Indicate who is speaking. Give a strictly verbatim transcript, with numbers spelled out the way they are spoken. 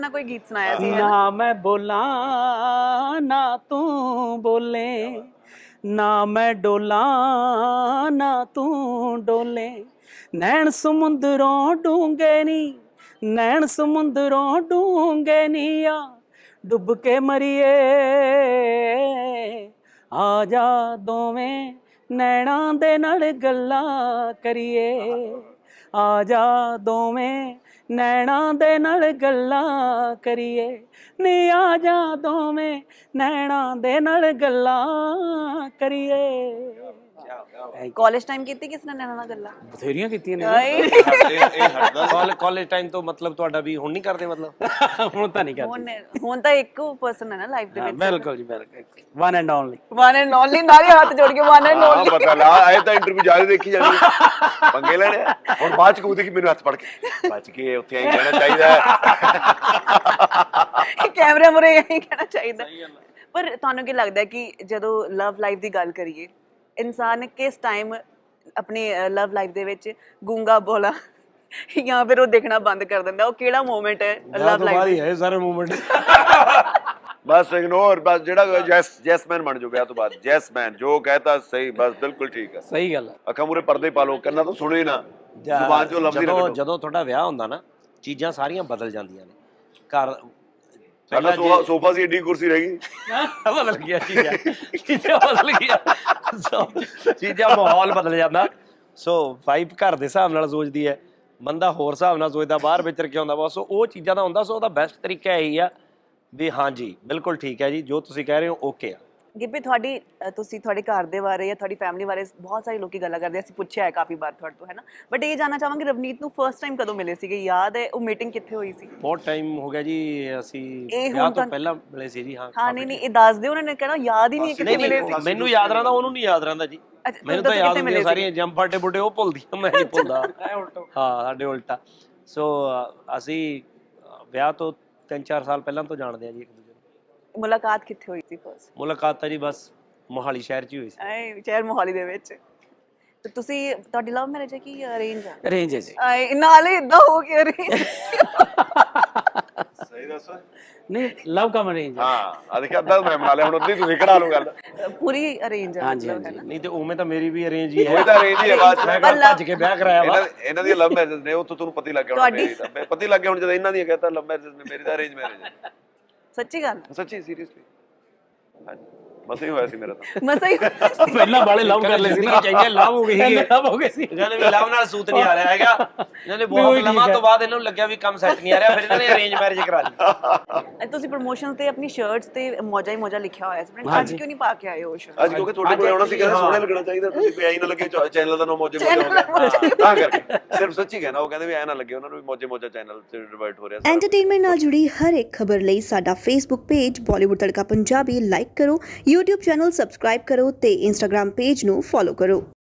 Speaker 1: ना कोई गीत सुनाया सी
Speaker 2: ना मैं बोला ना तू बोले, ना मैं डोला ना तू डोले, नैन समुंदरों डूंगे नी, नैन समुंदरों डूंगे नी, आ डुब के मरिए, आ जा दोवें नैना दे नाल गल्लां करिए, आ जा दोवें नैना दे नाल गल्लां करिए, नी आ जा दोवें नैना दे नाल गल्लां करिए।
Speaker 1: ਕਾਲਜ ਟਾਈਮ ਕੀਤੀ ਕਿਸ ਨੇ ਨੈਣਾ ਨਾਲ ਗੱਲਾਂ?
Speaker 2: ਬਥੇਰੀਆਂ ਕੀਤੀਆਂ ਨੇ।
Speaker 3: ਕਾਲਜ ਟਾਈਮ ਤੋਂ ਮਤਲਬ ਤੁਹਾਡਾ ਵੀ ਹੁਣ ਨਹੀਂ ਕਰਦੇ ਮਤਲਬ?
Speaker 2: ਹੁਣ ਤਾਂ ਨਹੀਂ ਕਰਦੇ।
Speaker 1: ਹੁਣ ਹੁਣ ਤਾਂ ਇੱਕੋ ਪਰਸਨ ਹੈ ਨਾ ਲਾਈਫ ਦੇ ਵਿੱਚ।
Speaker 2: ਬਿਲਕੁਲ ਜੀ ਬਿਲਕੁਲ, one and only.
Speaker 1: One and only, ਨਾਲੇ ਹੱਥ ਜੋੜ ਕੇ ਵਨ ਐਂਡ ਓਨਲੀ।
Speaker 4: ਹਾਂ ਪਤਾ ਲਾ ਆਏ ਤਾਂ ਇੰਟਰਵਿਊ ਜਾਰੀ ਦੇਖੀ ਜਾਣੀ ਪੰਗੇ ਲੈਣੇ ਹੁਣ ਬਾਅਦ ਚ ਕਹੂਦੇ ਕਿ ਮੈਨੂੰ ਹੱਥ ਫੜ ਕੇ ਬਚ ਕੇ ਉੱਥੇ ਆਈ ਕਹਿਣਾ ਚਾਹੀਦਾ
Speaker 1: ਕੈਮਰੇ ਮੁਰੇ ਆਈ ਕਹਿਣਾ ਚਾਹੀਦਾ। ਪਰ ਤੁਹਾਨੂੰ ਕੀ ਲੱਗਦਾ ਕਿ ਜਦੋਂ ਲਵ ਲਾਈਫ ਦੀ ਗੱਲ ਕਰੀਏ, ਇਨਸਾਨ ਕਿਸ ਟਾਈਮ ਆਪਣੀ ਲਵ ਲਾਈਫ ਦੇ ਵਿੱਚ ਗੂੰਗਾ ਬੋਲਾ ਜਾਂ ਫਿਰ ਉਹ ਦੇਖਣਾ ਬੰਦ ਕਰ ਦਿੰਦਾ? ਉਹ ਕਿਹੜਾ ਮੂਮੈਂਟ ਹੈ ਲਵ ਲਾਈਫ
Speaker 3: ਬਾਈ ਹੈ ਸਾਰੇ ਮੂਮੈਂਟ?
Speaker 4: ਬਸ ਇਗਨੋਰ, ਬਸ ਜਿਹੜਾ ਜੈਸ ਜੈਸਮੈਨ ਬਣ ਜਾਓ ਵਿਆਹ ਤੋਂ ਬਾਅਦ, ਜੈਸਮੈਨ ਜੋ ਕਹਤਾ ਸਹੀ, ਬਸ ਬਿਲਕੁਲ ਠੀਕ ਹੈ,
Speaker 2: ਸਹੀ ਗੱਲ ਹੈ।
Speaker 4: ਅੱਖਾਂ ਮੂਰੇ ਪਰਦੇ ਪਾ ਲਓ, ਕੰਨਾਂ ਤੋਂ ਸੁਣੇ ਨਾ, ਜ਼ੁਬਾਨ ਚੋਂ ਲਫ਼ਜ਼ ਹੀ ਨਾ
Speaker 3: ਜਦੋਂ
Speaker 4: ਕੱਢੋ।
Speaker 3: ਜਦੋਂ ਤੁਹਾਡਾ ਵਿਆਹ ਹੁੰਦਾ ਨਾ, ਚੀਜ਼ਾਂ ਸਾਰੀਆਂ ਬਦਲ ਜਾਂਦੀਆਂ ਨੇ ਘਰ।
Speaker 4: ਸਾਡਾ ਸੋਫਾ ਸੋਫਾ ਸੀ, ਏਡੀ ਕੁਰਸੀ ਰਹਿ ਗਈ,
Speaker 3: ਬਦਲ ਗਿਆ ਚੀਜ਼ਾਂ, ਚੀਜ਼ਾਂ ਬਦਲ ਗਿਆ, ਚੀਜ਼ਾਂ ਮਾਹੌਲ ਬਦਲ ਜਾਂਦਾ। ਸੋ ਵਾਈਫ ਘਰ ਦੇ ਹਿਸਾਬ ਨਾਲ ਸੋਚਦੀ ਹੈ, ਬੰਦਾ ਹੋਰ ਹਿਸਾਬ ਨਾਲ ਸੋਚਦਾ, ਬਾਹਰ ਵਿਚਰ ਕੇ ਆਉਂਦਾ। ਬਸ ਉਹ ਚੀਜ਼ਾਂ ਦਾ ਹੁੰਦਾ। ਸੋ ਉਹਦਾ ਬੈਸਟ ਤਰੀਕਾ ਇਹੀ ਆ ਵੀ ਹਾਂਜੀ ਬਿਲਕੁਲ ਠੀਕ ਹੈ ਜੀ, ਜੋ ਤੁਸੀਂ ਕਹਿ ਰਹੇ ਹੋ ਓਕੇ ਆ।
Speaker 1: ਗਿੱਪੀ, ਤੁਹਾਡੀ ਤੁਸੀਂ ਤੁਹਾਡੇ ਘਰ ਦੇ ਬਾਰੇ ਜਾਂ ਤੁਹਾਡੀ ਫੈਮਿਲੀ ਬਾਰੇ ਬਹੁਤ ਸਾਰੇ ਲੋਕੀ ਗੱਲਾਂ ਕਰਦੇ, ਅਸੀਂ ਪੁੱਛਿਆ ਹੈ ਕਾਫੀ ਵਾਰ ਤੁਹਾਡੇ ਤੋਂ, ਹੈ ਨਾ? ਬਟ ਇਹ ਜਾਣਨਾ ਚਾਹਾਂਗੇ ਰਵਨੀਤ ਨੂੰ ਫਰਸਟ ਟਾਈਮ ਕਦੋਂ ਮਿਲੇ ਸੀਗੇ? ਯਾਦ ਹੈ ਉਹ ਮੀਟਿੰਗ ਕਿੱਥੇ ਹੋਈ ਸੀ?
Speaker 3: ਬਹੁਤ ਟਾਈਮ ਹੋ ਗਿਆ ਜੀ, ਅਸੀਂ
Speaker 1: ਇਹ
Speaker 3: ਵਿਆਹ
Speaker 1: ਹੁਣ
Speaker 3: ਤੋਂ
Speaker 1: ਤਾਂ-
Speaker 3: ਪਹਿਲਾਂ ਮਿਲੇ ਸੀ ਜੀ। ਹਾਂ
Speaker 1: ਹਾਂ, ਨਹੀਂ ਨਹੀਂ ਇਹ ਦੱਸ ਦਿਓ। ਉਹਨਾਂ ਨੇ ਕਹਿਣਾ ਯਾਦ ਹੀ ਨਹੀਂ ਕਿੱਥੇ ਮਿਲੇ ਸੀ।
Speaker 3: ਨਹੀਂ, ਮੈਨੂੰ ਯਾਦ ਰਹਿੰਦਾ, ਉਹਨੂੰ ਨਹੀਂ ਯਾਦ ਰਹਿੰਦਾ ਜੀ। ਮੈਨੂੰ ਤਾਂ ਯਾਦ ਹੁੰਦੀਆਂ ਸਾਰੀਆਂ ਜੰਪਾਟੇ ਬੁੱਢੇ, ਉਹ ਭੁੱਲਦੀ ਮੈਂ ਨਹੀਂ ਭੁੱਲਦਾ। ਹਾਂ, ਸਾਡੇ ਉਲਟਾ। ਸੋ ਅਸੀਂ ਵਿਆਹ ਤੋਂ ਤਿੰਨ ਚਾਰ ਸਾਲ ਪਹਿਲਾਂ ਤੋਂ ਜਾਣਦੇ ਆ ਜੀ ਇੱਕ ਦੂਜੇ ਨੂੰ।
Speaker 1: ਮੁਲਾਕਾਤ ਕਿੱਥੇ ਹੋਈ ਸੀ ਫਰਸਟ?
Speaker 3: ਮੁਲਾਕਾਤ ਤਾਂ ਜੀ ਬਸ ਮੋਹਾਲੀ ਸ਼ਹਿਰ 'ਚ ਹੀ ਹੋਈ ਸੀ।
Speaker 1: ਆਏ ਸ਼ਹਿਰ ਮੋਹਾਲੀ ਦੇ ਵਿੱਚ। ਤੇ ਤੁਸੀਂ, ਤੁਹਾਡੀ ਲਵ ਮੈਰਿਜ ਹੈ ਕਿ ਅਰੇਂਜ ਹੈ?
Speaker 2: ਅਰੇਂਜ ਹੈ ਜੀ।
Speaker 1: ਆਏ ਨਾਲੇ ਇਦਾਂ ਹੋ ਕੇ ਅਰੇਂਜ?
Speaker 4: ਸਹੀ ਦੱਸੋ।
Speaker 2: ਨਹੀਂ, ਲਵ ਕਮ ਅਰੇਂਜ।
Speaker 4: ਹਾਂ ਆ ਦੇਖਿਆ, ਅੱਧਾ ਮੈਂ ਬਣਾ ਲਿਆ, ਹੁਣ ਅੱਧੀ ਤੁਸੀਂ ਕਢਾ ਲਓ ਗੱਲ।
Speaker 1: ਪੂਰੀ ਅਰੇਂਜ ਹੈ
Speaker 2: ਹਾਂਜੀ,
Speaker 1: ਮਤਲਬ, ਹੈ ਨਾ?
Speaker 3: ਨਹੀਂ ਤੇ ਉਵੇਂ ਤਾਂ ਮੇਰੀ ਵੀ ਅਰੇਂਜ ਹੀ ਹੈ।
Speaker 4: ਉਹ ਤਾਂ arrange ਹੀ ਹੈ, ਬਾਅਦ ਚ
Speaker 3: ਮੈਂ ਭੱਜ ਕੇ ਵਿਆਹ ਕਰਾਇਆ ਵਾ।
Speaker 4: ਇਹਨਾਂ ਇਹਨਾਂ ਦੀ ਲਵ ਮੈਰਿਜ ਨੇ, ਉਹ ਤੋਂ ਤੁਹਾਨੂੰ ਪਤਾ ਹੀ ਲੱਗ ਗਿਆ ਹੁਣ। ਮੇਰੀ ਤਾਂ ਪਤਾ ਹੀ ਲੱਗ ਗਿਆ ਹੁਣ ਜਦੋਂ ਇਹਨਾਂ ਦੀ ਕਹਤਾ ਲਵ ਮੈਰਿਜ ਨੇ, ਮੇਰੀ ਤਾਂ ਅਰੇਂਜ ਮੈਰਿਜ ਹੈ।
Speaker 1: ਸੱਚੀ ਗੱਲ?
Speaker 4: ਸੱਚੀ ਸੀਰੀਅਸਲੀ ਹਾਂਜੀ, ਬਸ ਹੀ ਹੋਇਆ ਸੀ ਮੇਰਾ ਤਾਂ।
Speaker 1: ਮਸਾ ਹੀ
Speaker 2: ਪਹਿਲਾਂ ਵਾਲੇ ਲਵ ਕਰ ਲਏ ਸੀ ਨਾ,
Speaker 3: ਚਾਹੀਏ ਲਵ ਹੋ ਗਈ ਸੀ।
Speaker 2: ਲਵ ਹੋ ਗਏ ਸੀ।
Speaker 3: ਇਹਨਾਂ ਨੇ ਵੀ ਲਵ ਨਾਲ ਸੂਤ ਨਹੀਂ ਆ ਰਿਹਾ ਹੈਗਾ। ਇਹਨਾਂ ਨੇ ਬਹੁਤ ਲੰਮਾ ਤੋਂ ਬਾਅਦ ਇਹਨਾਂ ਨੂੰ ਲੱਗਿਆ ਵੀ ਕੰਮ ਸੈੱਟ ਨਹੀਂ ਆ ਰਿਹਾ, ਫਿਰ ਇਹਨਾਂ ਨੇ ਅਰੇਂਜ ਮੈਰਿਜ ਕਰਾ ਲਈ।
Speaker 1: ਤੁਸੀਂ ਪ੍ਰੋਮੋਸ਼ਨ ਤੇ ਆਪਣੀ ਸ਼ਰਟਸ ਤੇ ਮੌਜਾ ਹੀ ਮੌਜਾ ਲਿਖਿਆ ਹੋਇਆ ਸੀ, ਅੱਜ ਕਿਉਂ ਨਹੀਂ ਪਾ ਕੇ ਆਏ ਉਹ ਸ਼ਰਟ?
Speaker 4: ਅੱਜ ਕਿਉਂਕਿ ਤੁਹਾਡੇ ਕੋਲ ਆਉਣਾ ਸੀ, ਕਹਿੰਦੇ ਸੋਹਣੇ ਲੱਗਣਾ ਚਾਹੀਦਾ, ਤੁਸੀਂ ਵੀ ਐਂ ਨਾ ਲੱਗੇ ਚੈਨਲ ਦਾ ਨਾਮ ਮੌਜੇ ਮੌਜਾ ਹੋ ਗਿਆ ਤਾਂ ਕਰਕੇ। ਸਿਰਫ ਸੱਚੀ ਕਹਿਣਾ, ਉਹ ਕਹਿੰਦੇ ਵੀ ਐਂ ਨਾ ਲੱਗੇ ਉਹਨਾਂ ਨੂੰ ਵੀ ਮੌਜੇ ਮੌਜਾ ਚੈਨਲ ਤੇ ਡਿਵਾਈਡ ਹੋ ਰਿਹਾ।
Speaker 5: ਐਂਟਰਟੇਨਮੈਂਟ ਨਾਲ ਜੁੜੀ ਹਰ ਇੱਕ ਖਬਰ ਲਈ ਸਾਡਾ Facebook page Bollywood Tadka Punjabi like ਕਰੋ, YouTube ਚੈਨਲ ਸਬਸਕ੍ਰਾਈਬ ਕਰੋ ਤੇ Instagram ਪੇਜ ਨੂੰ ਫੋਲੋ ਕਰੋ।